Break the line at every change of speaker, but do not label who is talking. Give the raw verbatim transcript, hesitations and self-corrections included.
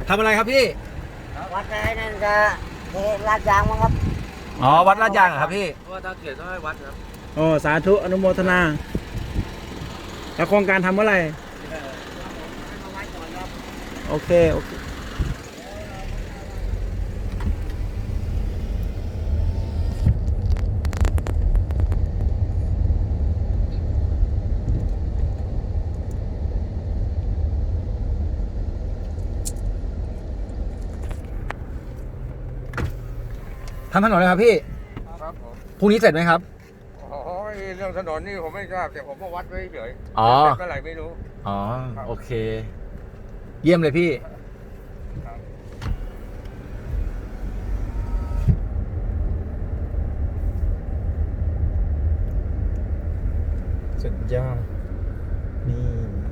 ทำอะไรครับพี่
วัดอะไรนั่นจะเทลาดยางมั้งครับ
อ๋อวัดลาดยางเหรอครับพี่
ว่าถ้าเขียนต้องให้วัดครับ
โอ้สาธุอนุโมทนาแล้วโครงการทำเมื่อไหร่โอเคโอเค
ทำถนนเลยครับพี่
ครับผม
พรุ่งนี้เสร็จไหมครับ
อ๋อเรื่องถนนนี่ผมไม่ทราบแต่ผมมาวัดไว้เฉย
อ๋อ
เสร็จเมื่อไหร่ไม่รู้
อ๋อโอเคเยี่ยมเลยพี่สุดยอดนี่